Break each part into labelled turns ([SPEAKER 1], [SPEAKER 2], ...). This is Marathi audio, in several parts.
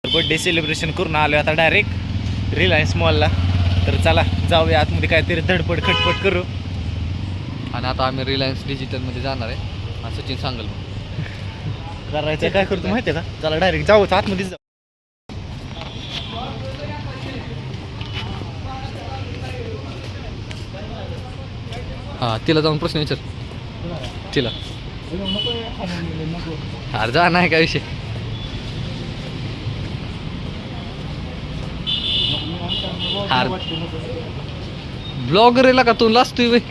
[SPEAKER 1] बर्थडे सेलिब्रेशन करून आलो आता डायरेक्ट रिलायन्स मॉलला. तर चला जाऊया आतमध्ये काहीतरी धडपड खटपट करू.
[SPEAKER 2] आणि आता आम्ही रिलायन्स डिजिटलमध्ये जाणार आहे आणि सचिन सांगल मग
[SPEAKER 1] करायचं काय करतो माहिती आहे का. चला डायरेक्ट जाऊ आतमध्ये जाऊ.
[SPEAKER 2] हां तिला जाऊन प्रश्न विचार तिला. अरे जा नाही काय विषय. ब्लॉगर आहे का तू लाजतोय बाई.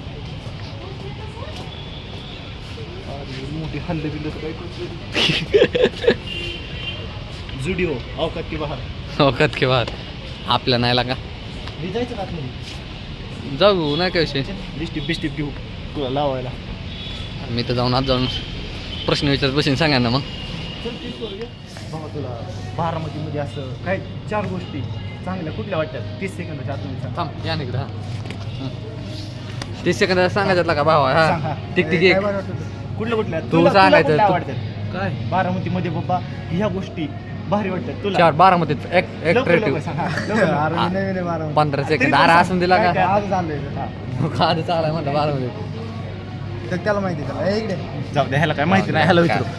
[SPEAKER 1] जुडिओ औकात की बाहेर.
[SPEAKER 2] औकात के बाहेर आपल्या नाही लागा.
[SPEAKER 1] जायचं का आतमध्ये.
[SPEAKER 2] जाऊ नाही काय विषय.
[SPEAKER 1] लिस्टिप बिस्टिप घेऊ तुला लावायला.
[SPEAKER 2] मी तर जाऊन आज जाऊन प्रश्न विचारत बसेन सांगा ना मग.
[SPEAKER 1] बाबा तुला बारामतीमध्ये असं काय 4 गोष्टी चांगल्या कुठल्या वाटतात 30 सेकंदाच्या आतमध्ये सांग.
[SPEAKER 2] थांब या निकडं. हां 30 सेकंदात सांगायचं का भावा.
[SPEAKER 1] सांग,
[SPEAKER 2] हा
[SPEAKER 1] हा.
[SPEAKER 2] ठीक ठीक.
[SPEAKER 1] कुठल्या कुठल्या
[SPEAKER 2] तू सांगायचं.
[SPEAKER 1] कुठल्या आवडतात
[SPEAKER 2] काय
[SPEAKER 1] बारामतीमध्ये बाबा ह्या गोष्टी भारी वाटतात तुला.
[SPEAKER 2] 4 बारामतीत एक
[SPEAKER 1] लवकर
[SPEAKER 2] ट्रेटिव्ह
[SPEAKER 1] लवकर सांग, हा. लवकर लवकर.
[SPEAKER 2] 15 सेकंद. अरे असून दिला का आज चालाय म्हणलं बारामतीत.
[SPEAKER 3] त्याला माहिती त्याला इकडे
[SPEAKER 1] जाऊ दे ह्याला काय माहिती नाही ह्याला विचारू.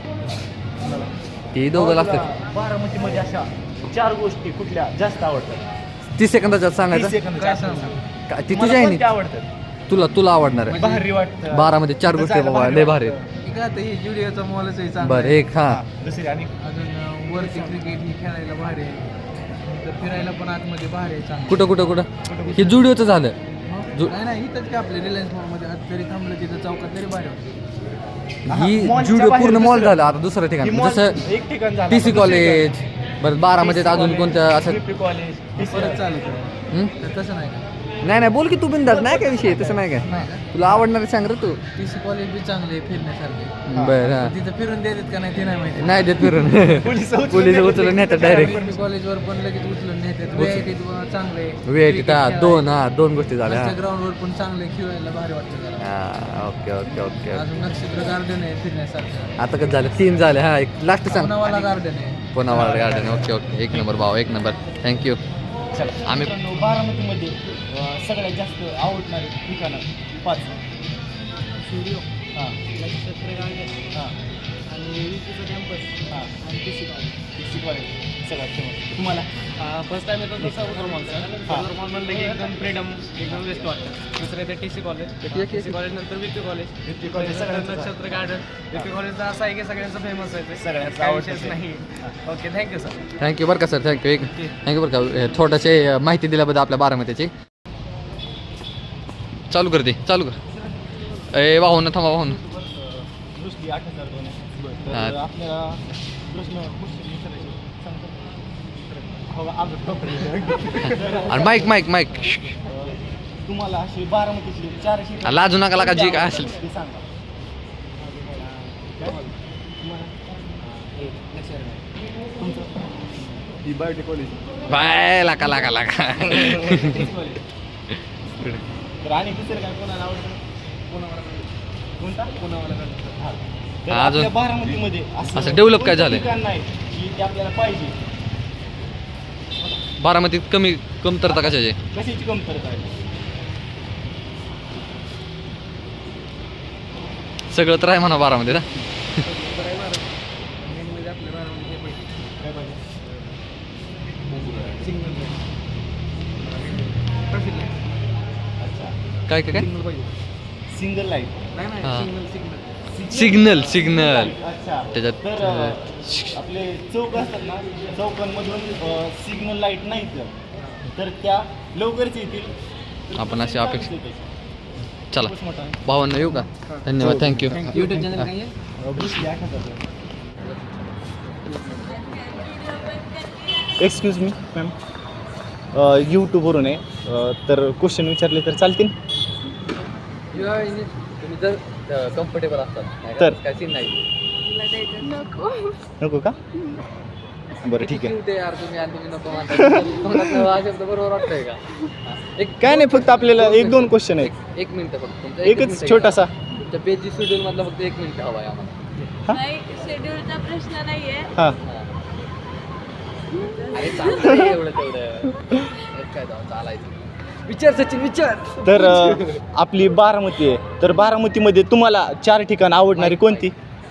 [SPEAKER 2] ते दोघं लागतात.
[SPEAKER 1] बारामतीमध्ये अशा 4 गोष्टी कुठल्या जास्त आवडतात.
[SPEAKER 2] 30 सेकंदाच्यात
[SPEAKER 1] 30
[SPEAKER 2] सांगायचं.
[SPEAKER 1] सेकंदाच्या आत सांग.
[SPEAKER 2] काय ती
[SPEAKER 1] मला
[SPEAKER 2] तुझ्या आहे
[SPEAKER 1] कोणत्या आवडतात
[SPEAKER 2] तुला आवडणार आहे.
[SPEAKER 1] भारी वाटतं.
[SPEAKER 2] बारामध्ये 4 गोष्टी
[SPEAKER 1] जायला
[SPEAKER 2] बाबा लय भारी आहेत.
[SPEAKER 3] इकडे आता ही जुडिओचा मॉलच आहे चांगला.
[SPEAKER 2] बरं एक हा
[SPEAKER 1] दुसरी आणि
[SPEAKER 3] अजून वरती क्रिकेट ही खेळायला भारी आहे. तर फिरायला पण आतमध्ये भारी आहे चांगलं.
[SPEAKER 2] कुठं हे जुडिओचं झालं.
[SPEAKER 3] नाही इथंच काय आपल्या रिलायन्स मॉलमध्ये आज तरी थांबलं तिथं चौकात तरी भारी वाटतं.
[SPEAKER 2] ही
[SPEAKER 1] मॉलच्या
[SPEAKER 2] जुडिओ
[SPEAKER 1] बाहेर
[SPEAKER 2] पूर्ण मॉल
[SPEAKER 1] दुसरं.
[SPEAKER 2] झालं आता दुसरं ठिकाण
[SPEAKER 1] ही मॉल
[SPEAKER 2] जसं
[SPEAKER 1] एक ठिकाण झालं.
[SPEAKER 2] TC
[SPEAKER 1] आता
[SPEAKER 2] कॉलेज.
[SPEAKER 1] दुसरीकडे.
[SPEAKER 2] बरं बारामतीत अजून कोणतं असं
[SPEAKER 1] TC कॉलेज
[SPEAKER 3] परत चालू करू.
[SPEAKER 2] हं?
[SPEAKER 3] तर तसं नाही का.
[SPEAKER 2] नाही बोल की तू बिंदास नाही काय विषय तसं नाही काय.
[SPEAKER 3] नाही का
[SPEAKER 2] तुला आवडणार आहे सांग रे तू.
[SPEAKER 3] TC कॉलेज बी चांगले आहे फिरण्यासारखे.
[SPEAKER 2] बरं हा
[SPEAKER 3] तिथं फिरून देतात का नाही ते नाही माहिती.
[SPEAKER 2] नाही देत फिरून पोलीस उचलून नेतात डायरेक्ट.
[SPEAKER 3] कॉलेजवर पण लगेच उचलून नेतात. VIT चांगले
[SPEAKER 2] वेळ दोन गोष्टी झाल्या.
[SPEAKER 3] ग्राउंडवर पण चांगले खेळायला भारी वाटतं जरा.
[SPEAKER 2] हा ओके
[SPEAKER 3] अजून नक्षत्र गार्डन आहे फिरण्यासारखं.
[SPEAKER 2] आता कसं झालं 3 झाले. हा एक लास्ट सांग.
[SPEAKER 3] पुनावाला गार्डन आहे.
[SPEAKER 2] पुनावाला गार्डन. ओके 1 नंबर भाऊ 1 नंबर. थँक्यू.
[SPEAKER 1] चला
[SPEAKER 2] आम्ही
[SPEAKER 1] बारामतीमध्ये सगळ्यात जास्त आवडणारे ठिकाणं 5.
[SPEAKER 3] स्टुडिओ
[SPEAKER 1] हां
[SPEAKER 3] नक्षत्र गार्डन
[SPEAKER 1] हां
[SPEAKER 3] आणि विकीचं कॅम्पस
[SPEAKER 1] हां
[SPEAKER 3] आणि TC कॉलेज.
[SPEAKER 1] TC कॉलेज सगळ्यात फेमस. तुम्हाला
[SPEAKER 3] फर्स्ट टाइम येतो तसा सदर मॉल म्हणलं की एकदम फ्रीडम एकदम बेस्ट वाटतं. दुसरं येते TC कॉलेज. TC कॉलेज नंतर विकी कॉलेज.
[SPEAKER 1] विकी कॉलेज सगळ्यात
[SPEAKER 3] नक्षत्र गार्डन. विकी कॉलेजचा असं आहे की सगळ्यांचं फेमस आहे ते.
[SPEAKER 1] सगळ्यांचं
[SPEAKER 3] काही
[SPEAKER 1] आवडतं
[SPEAKER 3] विषयच
[SPEAKER 1] ते.
[SPEAKER 3] नाही. Okay thank you sir.
[SPEAKER 2] थँक्यू बरं का सर. थँक्यू बरं का थोडंसे माहिती दिल्याबद्दल आपल्या बारामतीची. चालू कर. ए वाहून थांबा वाहून.
[SPEAKER 1] दुसरी 8,002 आहे.
[SPEAKER 2] हां.
[SPEAKER 1] तर आपल्याला प्रश्न विचारायचे सांगतो. हो, आमचं टोपलं.
[SPEAKER 2] आणि माईक
[SPEAKER 1] तुम्हाला अशी बारामतीची 4 अशी
[SPEAKER 2] लाजू नका लागा जी काय असेल.
[SPEAKER 1] ते सांगा. ही बायोटेक कॉलेज.
[SPEAKER 2] बाय लाका
[SPEAKER 1] तर आणि दुसरं काय कोणाला आवडतं. कोणता हां. तर
[SPEAKER 2] हा, अजून
[SPEAKER 1] आपल्या बारामतीमध्ये
[SPEAKER 2] असं डेव्हलप काय
[SPEAKER 1] कोणतं
[SPEAKER 2] झालंय?
[SPEAKER 1] ठिकाण नाही की ते आपल्याला पाहिजे.
[SPEAKER 2] बारामतीत कमतरता कशाची.
[SPEAKER 1] कशाची कमतरता आहे.
[SPEAKER 2] सगळं तर आहे म्हणा बारामतीत. ना
[SPEAKER 3] मेनमध्ये आपल्या बारामध्ये हे पाहिजे.
[SPEAKER 1] काय पाहिजे.
[SPEAKER 3] Signal traffic light.
[SPEAKER 1] अच्छा
[SPEAKER 2] काय
[SPEAKER 3] सिग्नल पाहिजे.
[SPEAKER 1] Single light.
[SPEAKER 3] नाही
[SPEAKER 2] हां.
[SPEAKER 3] सिग्नल.
[SPEAKER 1] अच्छा
[SPEAKER 2] त्याच्यात,
[SPEAKER 1] तर आपले चौक असतात ना चौकांमधून सिग्नल लाईट नाहीत तर त्या लवकरच येतील.
[SPEAKER 2] आपण अशी अपेक्षा.
[SPEAKER 1] येते.
[SPEAKER 2] चला
[SPEAKER 1] खूपच मोठा आहे.
[SPEAKER 2] भावांना येऊ का. धन्यवाद थँक्यू.
[SPEAKER 3] युट्यूब चॅनल काय आहे.
[SPEAKER 1] Bruce Lee 8,000. Excuse me ma'am यूट्यूबवरून आहे तर क्वेश्चन विचारले तर चालतील.
[SPEAKER 2] तुम्ही जर कम्फर्टेबल असतात
[SPEAKER 1] तर
[SPEAKER 2] काय सीन नाही.
[SPEAKER 1] नको का. बरं ठीक आहे.
[SPEAKER 2] ते यार तुम्ही आणि तुम्ही नको म्हणता. हा शब्द बरोबर वाटतंय का.
[SPEAKER 1] काय नाही फक्त आपल्याला 1-2 क्वेश्चन आहेत.
[SPEAKER 2] 1 मिनिट फक्त तुमचं
[SPEAKER 1] एकच छोटासा.
[SPEAKER 2] तुमच्या पेजची शेड्यूल मधला फक्त 1 मिनिट हवा आहे आम्हाला.
[SPEAKER 4] नाही शेड्यूलचा प्रश्न नाहीये.
[SPEAKER 1] हां
[SPEAKER 2] अरे चालतंय एवढं तेवढं काय चालायचं. विचार सचिन विचार.
[SPEAKER 1] तर आपली बारामती आहे, तर बारामतीमध्ये तुम्हाला 4 ठिकाण आवडणारी कोणती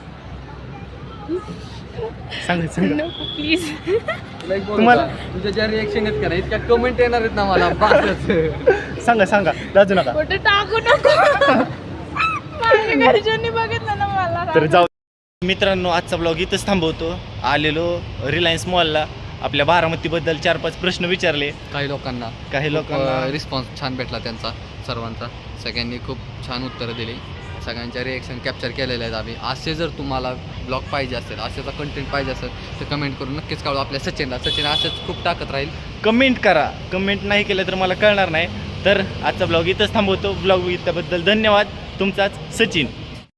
[SPEAKER 1] सांगा सांगा.
[SPEAKER 4] प्लीज.
[SPEAKER 2] तुम्हाला तुझ्या ज्या रिएक्शन आहेत का नाही इतक्या कमेंट येणार आहेत ना मला बासच.
[SPEAKER 1] सांगा सांगा लाजू नका.
[SPEAKER 4] कुठे टाकू नको. माझ्या घरच्यांनी बघितलं ना मला.
[SPEAKER 1] तर जाऊ मित्रांनो, आजचा ब्लॉग इथंच थांबवतो. आलेलो रिलायन्स मॉलला, आपल्या बारामतीबद्दल 4-5 प्रश्न विचारले.
[SPEAKER 2] काही लोकांना रिस्पॉन्स छान भेटला त्यांचा सर्वांचा. सगळ्यांनी खूप छान उत्तरं दिली. सगळ्यांच्या रिएक्शन कॅप्चर केलेले आहेत आम्ही. असे जर तुम्हाला ब्लॉग पाहिजे असेल, असेचा कंटेंट पाहिजे असेल तर कमेंट करून नक्कीच कळवा आपल्या सचिनला. सचिन असंच खूप टाकत राहील.
[SPEAKER 1] कमेंट करा. कमेंट नाही केलं तर मला कळणार नाही. तर आजचा ब्लॉग इथंच थांबवतो. ब्लॉग बघितल्याबद्दल धन्यवाद. तुमचाच सचिन.